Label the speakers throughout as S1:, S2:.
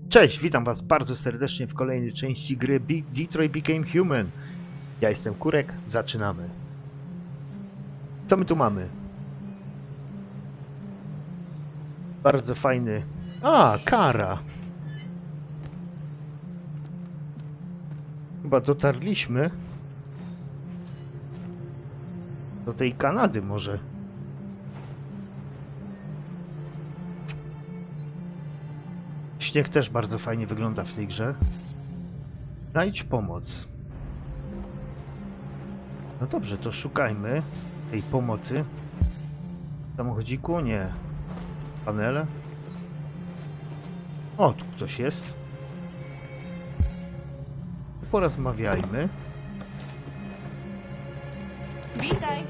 S1: Cześć, witam was bardzo serdecznie w kolejnej części gry Detroit Became Human. Ja jestem Kurek, zaczynamy. Co my tu mamy? Bardzo fajny... A, Kara! Chyba dotarliśmy do tej Kanady może. Śnieg też bardzo fajnie wygląda w tej grze. Znajdź pomoc. No dobrze, to szukajmy tej pomocy. W samochodziku? Nie. Panele? O, tu ktoś jest. Porozmawiajmy.
S2: Witaj.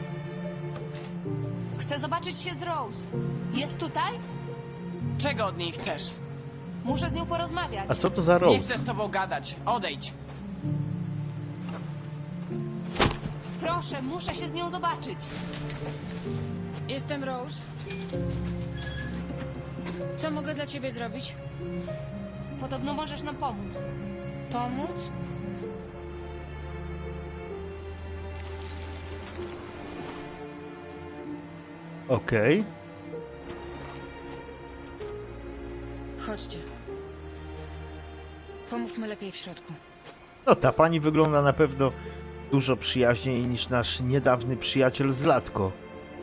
S2: Chcę zobaczyć się z Rose. Jest tutaj?
S3: Czego od niej chcesz?
S2: Muszę z nią porozmawiać.
S1: A co to za
S3: Nie chcę z
S1: Rose?
S3: tobą gadać. Odejdź.
S2: Proszę, muszę się z nią zobaczyć.
S4: Jestem Rose. Co mogę dla ciebie zrobić?
S2: Podobno możesz nam pomóc.
S4: Pomóc?
S1: Okej.
S4: Chodźcie. Pomówmy lepiej w środku.
S1: No ta pani wygląda na pewno dużo przyjaźniej niż nasz niedawny przyjaciel z Latko.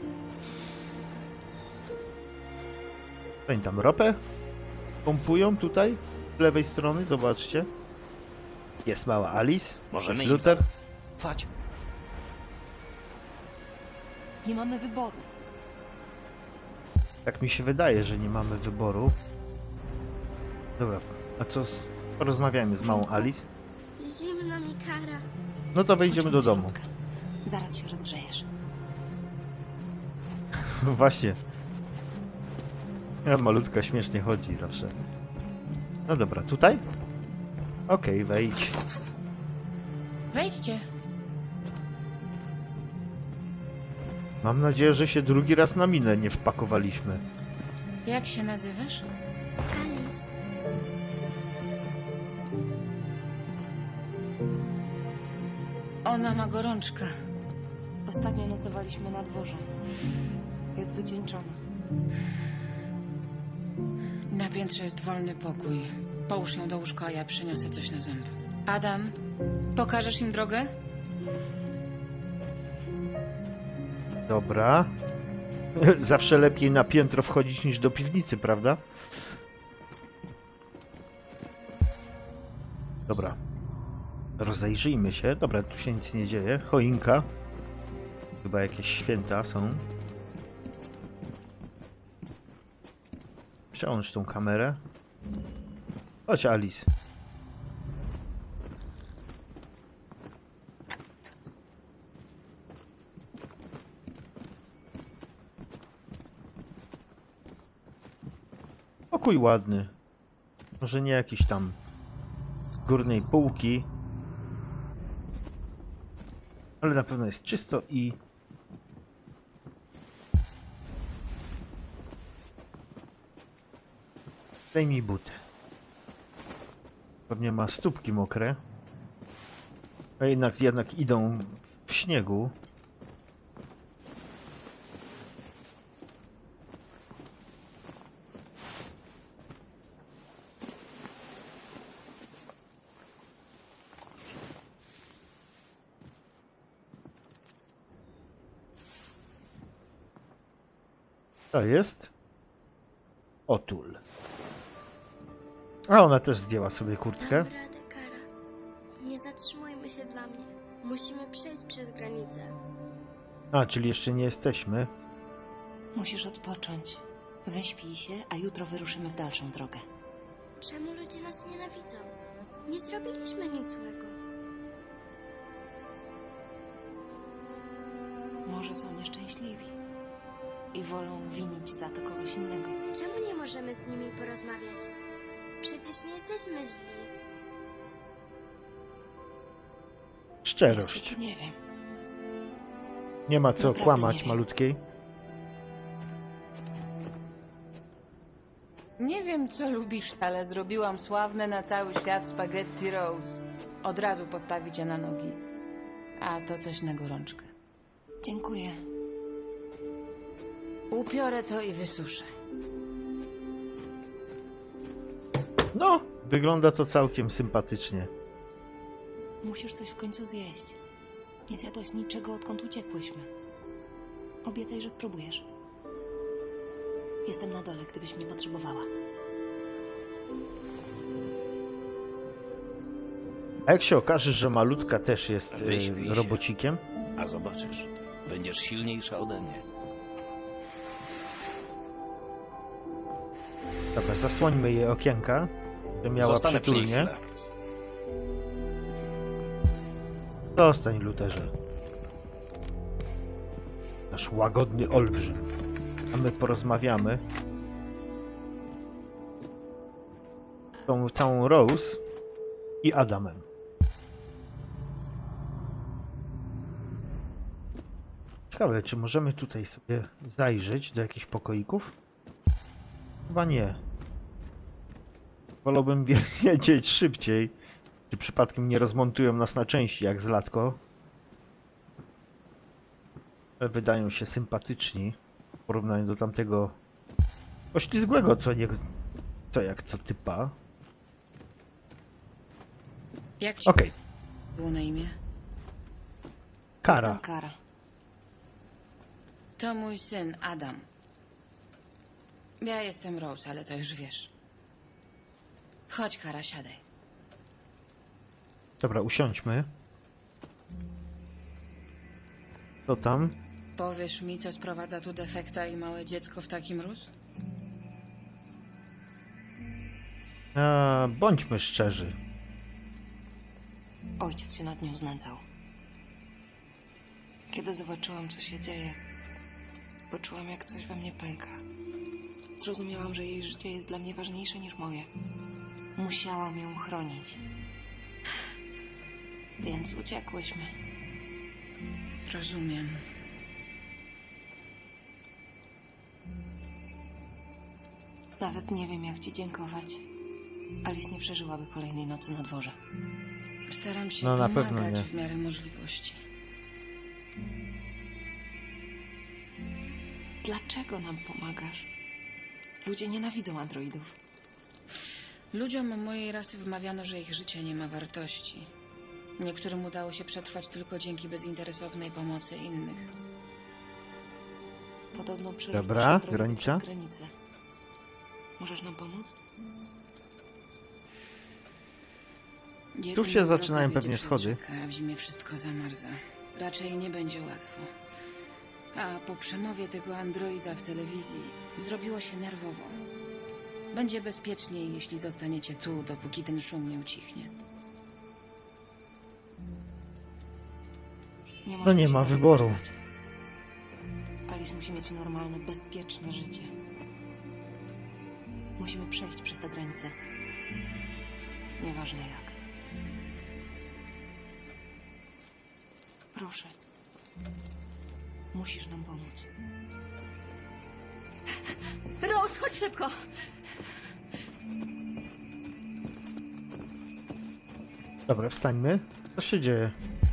S1: Oni tam ropę pompują tutaj z lewej strony, zobaczcie. Jest mała Alice,
S5: Możemy
S1: jest
S5: im
S1: Luther.
S5: Chodź.
S2: Nie mamy wyboru.
S1: Tak mi się wydaje, że nie mamy wyboru. Dobra, a co z... Porozmawiajmy z małą Alice.
S6: Zimno mi, Kara.
S1: No to wejdziemy do domu.
S2: Zaraz się rozgrzejesz.
S1: Właśnie. Malutka śmiesznie chodzi zawsze. No dobra, tutaj? Okej, wejdź.
S4: Wejdźcie.
S1: Mam nadzieję, że się drugi raz na minę nie wpakowaliśmy.
S4: Jak się nazywasz?
S6: Alice.
S4: Ona ma gorączkę.
S2: Ostatnio nocowaliśmy na dworze. Jest wycieńczona.
S4: Na piętrze jest wolny pokój. Połóż ją do łóżka, a ja przyniosę coś na zęby. Adam, pokażesz im drogę?
S1: Dobra. Zawsze lepiej na piętro wchodzić niż do piwnicy, prawda? Dobra. Rozejrzyjmy się. Dobra, tu się nic nie dzieje. Choinka. Chyba jakieś święta są. Przełącz tą kamerę. Chodź, Alice. Pokój ładny. Może nie jakiś tam z górnej półki. Ale na pewno jest czysto i... Zdejmij buty. Pewnie ma stópki mokre. A jednak idą w śniegu. To jest Otul. A ona też zdjęła sobie kurtkę.
S6: Dam radę, Kara. Nie zatrzymujmy się dla mnie. Musimy przejść przez granicę.
S1: A, czyli jeszcze nie jesteśmy.
S2: Musisz odpocząć. Wyśpij się, a jutro wyruszymy w dalszą drogę.
S6: Czemu ludzie nas nienawidzą? Nie zrobiliśmy nic złego.
S2: Może są nieszczęśliwi i wolą winić za to kogoś innego.
S6: Czemu nie możemy z nimi porozmawiać? Przecież nie jesteśmy źli.
S1: Szczerość.
S2: Niestety nie wiem.
S1: Nie ma co
S2: Naprawdę
S1: kłamać
S2: nie wiem.
S1: malutkiej.
S4: Nie wiem, Wiem, co lubisz, ale zrobiłam sławne na cały świat spaghetti Rose. Od razu postawi cię na nogi. A to coś na gorączkę.
S2: Dziękuję.
S4: Upiorę to i wysuszę.
S1: No, wygląda to całkiem sympatycznie.
S2: Musisz coś w końcu zjeść. Nie zjadłaś niczego, odkąd uciekłyśmy. Obiecaj, że spróbujesz. Jestem na dole, gdybyś mnie potrzebowała.
S1: A jak się okaże, że malutka też jest
S5: Wyśpij się.
S1: robocikiem?
S5: A zobaczysz, będziesz silniejsza ode mnie.
S1: Dobra, zasłońmy jej okienka, by miała
S5: Zostanę przy niej
S1: przytulnie.
S5: chwilę.
S1: Zostań, Luterze. Nasz łagodny olbrzym. A my porozmawiamy. Z tą całą Rose i Adamem. Ciekawe, czy możemy tutaj sobie zajrzeć do jakichś pokoików? Chyba nie. Wolałbym wiedzieć szybciej, czy przypadkiem nie rozmontują nas na części jak z Latko. Ale wydają się sympatyczni w porównaniu do tamtego poślizgłego, co typa.
S4: Jak ci
S1: Okej,
S4: było na imię?
S1: Kara.
S2: Jestem Kara.
S4: To mój syn, Adam. Ja jestem Rose, ale to już wiesz. Chodź, Kara, siadaj.
S1: Dobra, usiądźmy. Co tam?
S4: Powiesz mi, co sprowadza tu defekta i małe dziecko w taki mróz?
S1: Bądźmy szczerzy.
S2: Ojciec się nad nią znęcał. Kiedy zobaczyłam, co się dzieje, poczułam, jak coś we mnie pęka. Zrozumiałam, że jej życie jest dla mnie ważniejsze niż moje. Musiałam ją chronić. Więc uciekłyśmy.
S4: Rozumiem.
S2: Nawet nie wiem, jak ci dziękować. Alice nie przeżyłaby kolejnej nocy na dworze.
S4: Staram się
S1: No, na
S4: pomagać
S1: pewno nie.
S4: w miarę możliwości.
S2: Dlaczego nam pomagasz? Ludzie nienawidzą androidów.
S4: Ludziom mojej rasy wmawiano, że ich życie nie ma wartości. Niektórym udało się przetrwać tylko dzięki bezinteresownej pomocy innych.
S2: Podobno przerzucasz
S1: Dobra,
S2: androidy
S1: granica.
S2: przez granicę. Możesz nam pomóc?
S4: Jedyna
S1: się
S4: droga
S1: zaczynają
S4: wiedzie
S1: pewnie
S4: przez
S1: schody.
S4: rzekę, a w zimie wszystko zamarza. Raczej nie będzie łatwo. A po przemowie tego androida w telewizji zrobiło się nerwowo. Będzie bezpieczniej, jeśli zostaniecie tu, dopóki ten szum nie ucichnie.
S2: Nie
S1: No
S2: możemy
S1: nie
S2: się
S1: ma
S2: na to
S1: wyboru.
S2: godzić. Alice musi mieć normalne, bezpieczne życie. Musimy przejść przez tę granicę. Nieważne jak. Proszę. Musisz nam pomóc.
S6: Rose, chodź szybko!
S1: Dobra, wstańmy. Co się dzieje?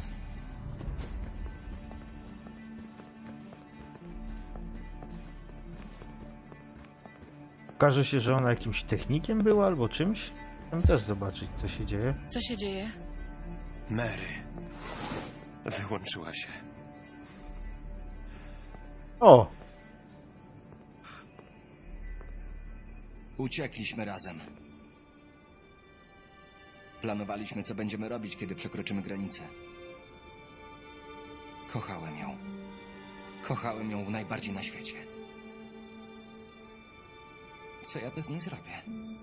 S1: Okaże się, że ona jakimś technikiem była albo czymś? Chcę też zobaczyć, co się dzieje.
S4: Co się dzieje?
S7: Mary wyłączyła się.
S1: O!
S8: Uciekliśmy razem. Planowaliśmy, co będziemy robić, kiedy przekroczymy granicę. Kochałem ją. Kochałem ją najbardziej na świecie. Co ja bez niej zrobię?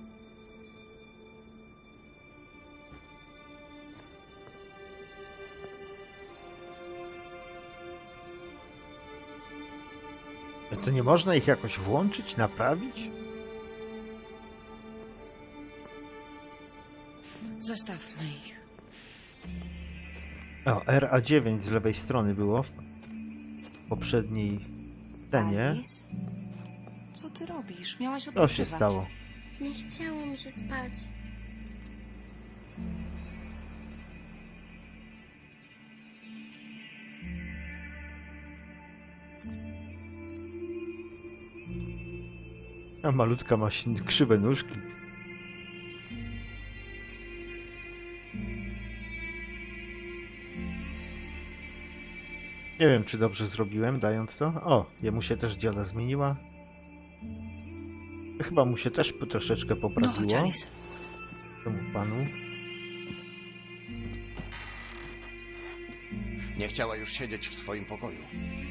S1: To nie można ich jakoś włączyć, naprawić?
S4: Zostawmy ich.
S1: O, RA9 z lewej strony było w poprzedniej scenie.
S2: Alice? Co ty robisz? Miałaś
S1: Co
S2: odpoczywać.
S1: się stało?
S6: Nie chciało mi się spać.
S1: A malutka ma krzywe nóżki. Nie wiem, czy dobrze zrobiłem, dając to. O, jemu się też dioda zmieniła. Chyba mu się też troszeczkę
S2: No
S1: poprawiło.
S2: chodź, Alice.
S1: Temu panu.
S5: Nie chciała już siedzieć w swoim pokoju.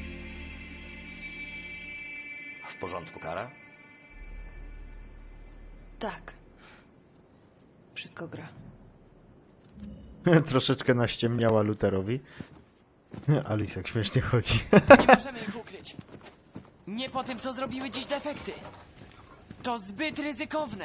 S5: W porządku, Kara?
S2: Tak. Wszystko gra.
S1: Troszeczkę naściemniała Lutherowi. Alice jak śmiesznie chodzi.
S3: Nie możemy ich ukryć. Nie po tym, co zrobiły dziś defekty. To zbyt ryzykowne.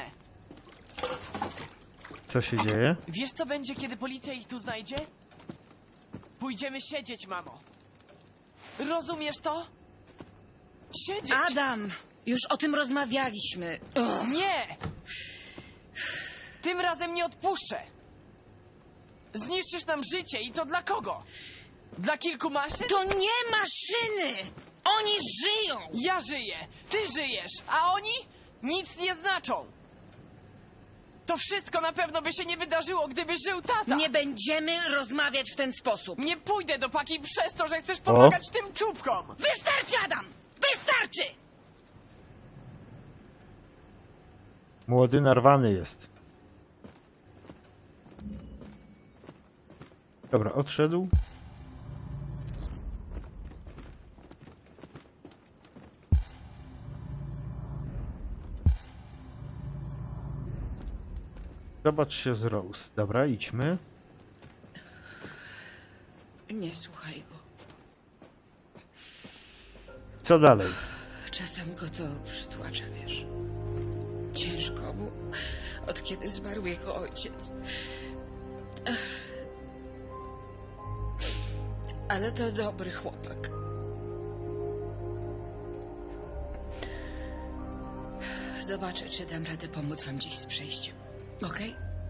S1: Co się dzieje?
S3: Wiesz, co będzie, kiedy policja ich tu znajdzie? Pójdziemy siedzieć, mamo. Rozumiesz to? Siedzieć!
S4: Adam! Już o tym rozmawialiśmy.
S3: Nie! Tym razem nie odpuszczę. Zniszczysz nam życie i to dla kogo? Dla kilku maszyn?
S4: To nie maszyny! Oni żyją!
S3: Ja żyję, ty żyjesz, a oni nic nie znaczą. To wszystko na pewno by się nie wydarzyło, gdyby żył tata.
S4: Nie będziemy rozmawiać w ten sposób.
S3: Nie pójdę do Paki przez to, że chcesz pomagać tym czubkom.
S4: Wystarczy, Adam! Wystarczy!
S1: Młody narwany jest. Dobra, odszedł. Zobacz się z Rose. Dobra, idźmy.
S4: Nie słuchaj go.
S1: Co dalej?
S4: Czasem go to przytłacza, wiesz. Ciężko mu, od kiedy zmarł jego ojciec. Ale to dobry chłopak. Zobaczę, czy dam radę pomóc wam dziś z przejściem. Okej?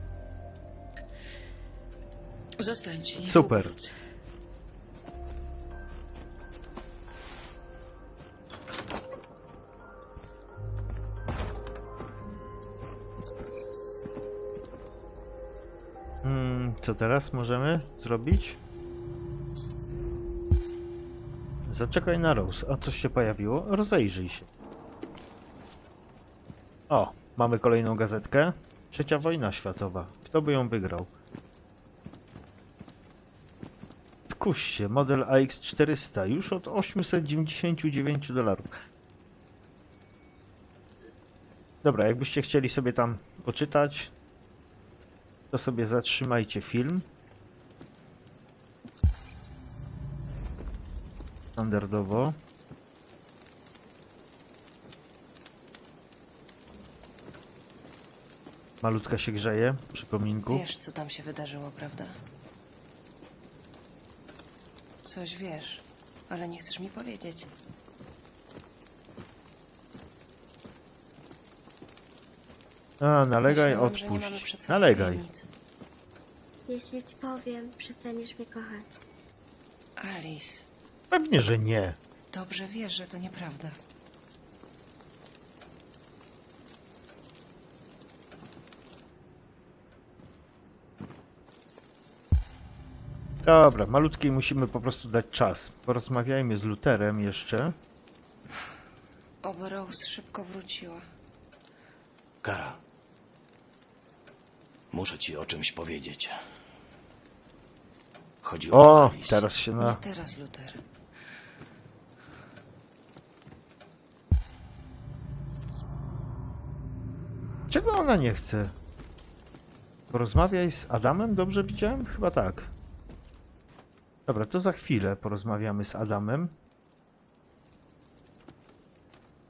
S4: Zostańcie, niedługo
S1: Super.
S4: wrócę.
S1: Co teraz możemy zrobić? Zaczekaj na Rose. A coś się pojawiło? Rozejrzyj się. O, mamy kolejną gazetkę. Trzecia wojna światowa. Kto by ją wygrał? Skuś się, model AX400 już od $899. Dobra, jakbyście chcieli sobie tam poczytać, to sobie zatrzymajcie film. Standardowo. Malutka się grzeje przy kominku.
S2: Wiesz, co tam się wydarzyło, prawda? Coś wiesz, ale nie chcesz mi powiedzieć.
S1: A, nalegaj,
S2: Myślałam, że nie mamy
S1: odpuść.
S2: przed sobą
S1: Nalegaj.
S2: tajemnic.
S6: Jeśli ci powiem, przestaniesz mnie kochać.
S2: Alice,
S1: Pewnie, że nie.
S2: dobrze wiesz, że to nieprawda.
S1: Dobra, malutkiej musimy po prostu dać czas. Porozmawiajmy z Lutherem jeszcze.
S2: Oby Rose szybko wróciła.
S5: Kara. Muszę ci o czymś powiedzieć. Chodzi o
S1: O,
S5: Alice.
S1: teraz się
S2: Nie
S1: na...
S2: teraz, Luther.
S1: Czego ona nie chce? Porozmawiaj z Adamem? Dobrze widziałem? Chyba tak. Dobra, to za chwilę porozmawiamy z Adamem.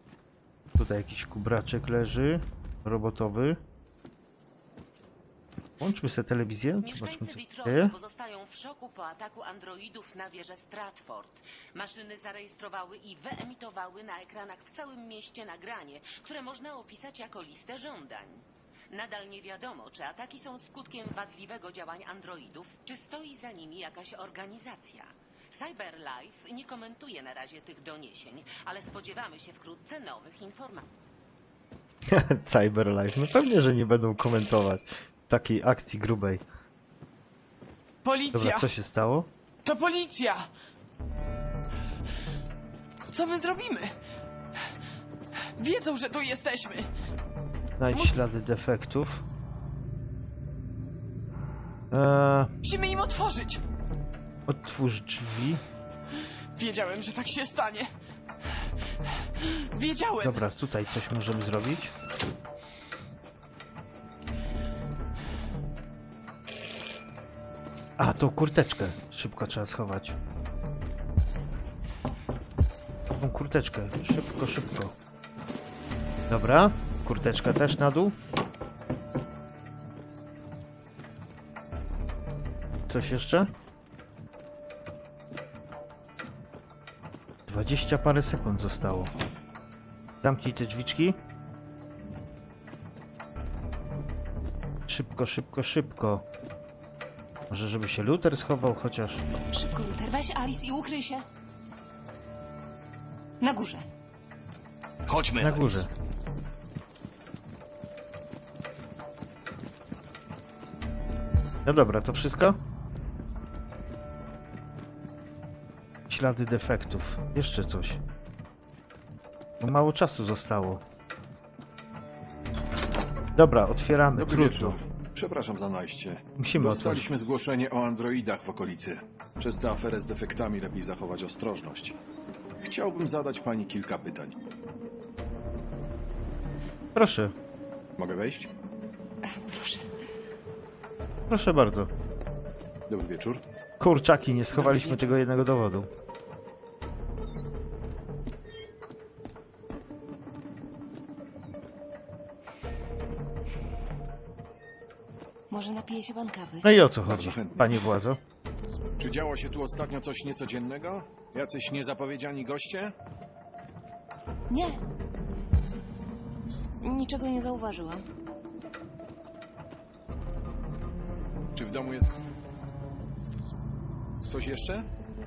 S1: Tutaj jakiś kubraczek leży. Robotowy. Włączmy sobie telewizję, zobaczmy
S9: Mieszkańcy
S1: co się
S9: Detroit
S1: dzieje.
S9: pozostają w szoku po ataku androidów na wieżę Stratford. Maszyny zarejestrowały i wyemitowały na ekranach w całym mieście nagranie, które można opisać jako listę żądań. Nadal nie wiadomo, czy ataki są skutkiem wadliwego działania androidów, czy stoi za nimi jakaś organizacja. CyberLife nie komentuje na razie tych doniesień, ale spodziewamy się wkrótce nowych informacji.
S1: Cyberlife. No pewnie, że nie będą komentować takiej akcji grubej.
S3: Policja!
S1: Dobra, co się stało?
S3: To policja! Co my zrobimy? Wiedzą, że tu jesteśmy.
S1: Znajdź ślady defektów.
S3: Musimy im otworzyć.
S1: Otwórz drzwi.
S3: Wiedziałem, że tak się stanie. Wiedziałem.
S1: Dobra, tutaj coś możemy zrobić. A, tą kurteczkę szybko trzeba schować. Tą kurteczkę. Szybko, szybko. Dobra, kurteczka też na dół. Coś jeszcze? 20 parę sekund zostało. Zamknij te drzwiczki. Szybko, szybko, szybko. Może żeby się Luther schował chociaż.
S2: Szybko, Luther, weź Alice i ukryj się. Na górze.
S5: Chodźmy,
S1: Na
S5: Alice.
S1: górze. No dobra, to wszystko? Ślady defektów. Jeszcze coś. Bo mało czasu zostało. Dobra, otwieramy.
S10: Dobry
S1: Trudno.
S10: wieczór. Przepraszam za najście.
S1: Musimy otworzyć.
S10: Dostaliśmy zgłoszenie o androidach w okolicy. Przez tę aferę z defektami lepiej zachować ostrożność. Chciałbym zadać pani kilka pytań.
S1: Proszę.
S10: Mogę wejść?
S2: Proszę.
S1: Proszę bardzo.
S10: Dobry wieczór.
S1: Kurczaki, nie schowaliśmy tego jednego dowodu.
S2: Może napije się pan kawy?
S1: No i o co chodzi,
S10: Bardzo chętnie.
S1: panie władzo?
S10: Czy działo się tu ostatnio coś niecodziennego? Jacyś niezapowiedziani goście?
S2: Nie. Niczego nie zauważyłam.
S10: Czy w domu jest ktoś jeszcze?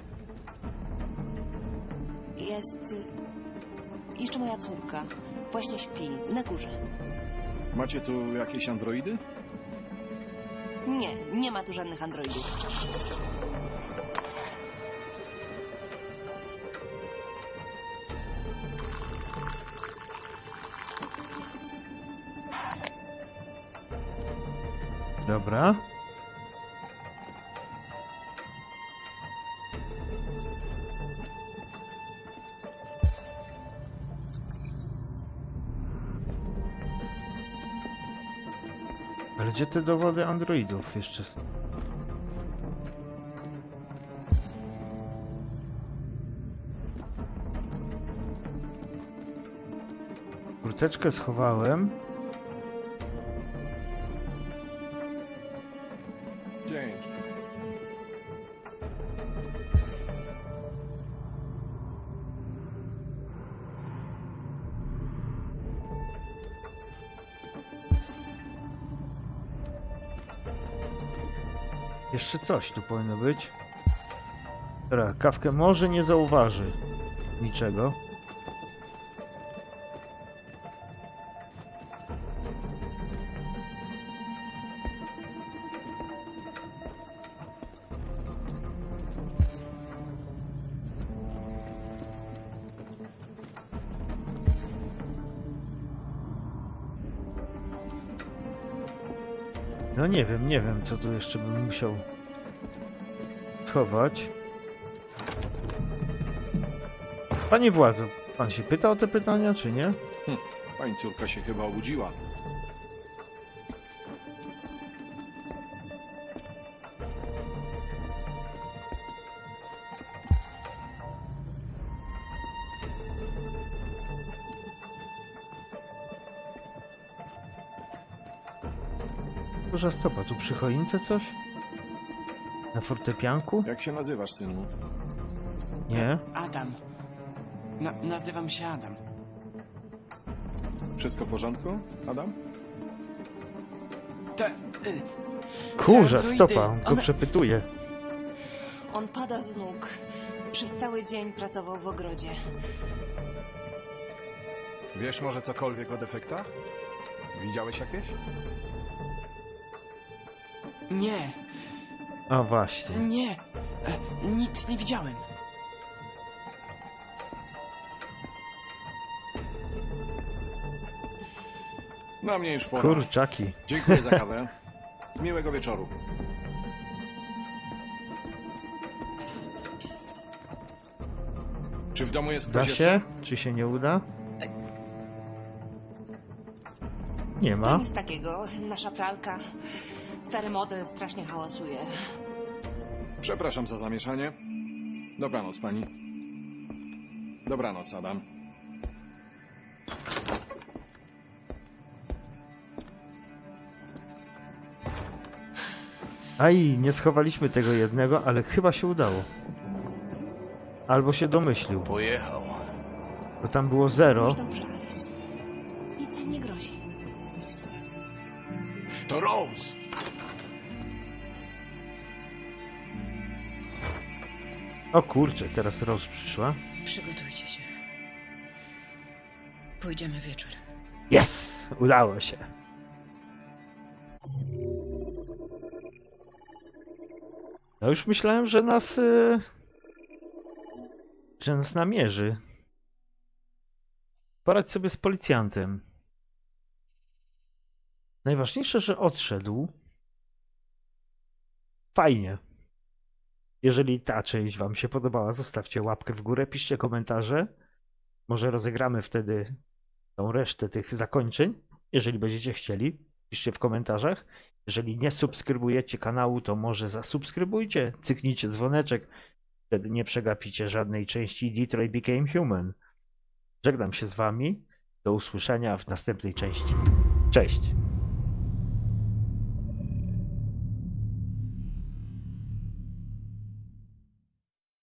S2: Jest... jeszcze moja córka. Właśnie śpi. Na górze.
S10: Macie tu jakieś androidy?
S2: Nie, nie ma tu żadnych androidów.
S1: Dobra. Ale gdzie te dowody androidów jeszcze są? Kurteczkę schowałem.
S10: Dzięki.
S1: Jeszcze coś tu powinno być. Dobra, kawkę może nie zauważy niczego. No nie wiem, co tu jeszcze bym musiał schować. Panie władzo, pan się pyta o te pytania, czy nie?
S10: Pani córka się chyba obudziła.
S1: Boże, stopa, tu przy choince coś? Na fortepianku?
S10: Jak się nazywasz, synu?
S1: Nie.
S3: Adam. Nazywam się Adam.
S10: Wszystko w porządku, Adam?
S3: Te...
S1: Kurze,
S3: androidy,
S1: stopa, on go
S3: one-
S1: przepytuje.
S2: On pada z nóg. Przez cały dzień pracował w ogrodzie.
S10: Wiesz może cokolwiek o defektach? Widziałeś jakieś?
S3: Nie,
S1: A właśnie.
S3: nie. Nic nie widziałem.
S10: Na mnie już pora.
S1: Kurczaki.
S10: Dziękuję za kawę. Miłego wieczoru. Czy w domu jest
S1: Da
S10: ktoś
S1: się?
S10: jeszcze?
S1: Czy się nie uda? Nie
S2: To
S1: ma.
S2: nic takiego. Nasza pralka. Stary model strasznie hałasuje.
S10: Przepraszam za zamieszanie. Dobranoc, pani. Dobranoc, Adam.
S1: Aj, nie schowaliśmy tego jednego, ale chyba się udało. Albo się domyślił,
S5: Pojechał.
S1: bo tam było 0.
S2: Już dobrze, Alice. Nic nam nie grozi.
S5: To Rose!
S1: O kurczę, teraz Rose przyszła.
S4: Przygotujcie się. Pójdziemy wieczorem.
S1: Yes! Udało się. No już myślałem, że nas namierzy. Poradź sobie z policjantem. Najważniejsze, że odszedł. Fajnie. Jeżeli ta część wam się podobała, zostawcie łapkę w górę, piszcie komentarze. Może rozegramy wtedy tą resztę tych zakończeń. Jeżeli będziecie chcieli, piszcie w komentarzach. Jeżeli nie subskrybujecie kanału, to może zasubskrybujcie, cyknijcie dzwoneczek. Wtedy nie przegapicie żadnej części Detroit Became Human. Żegnam się z wami. Do usłyszenia w następnej części. Cześć!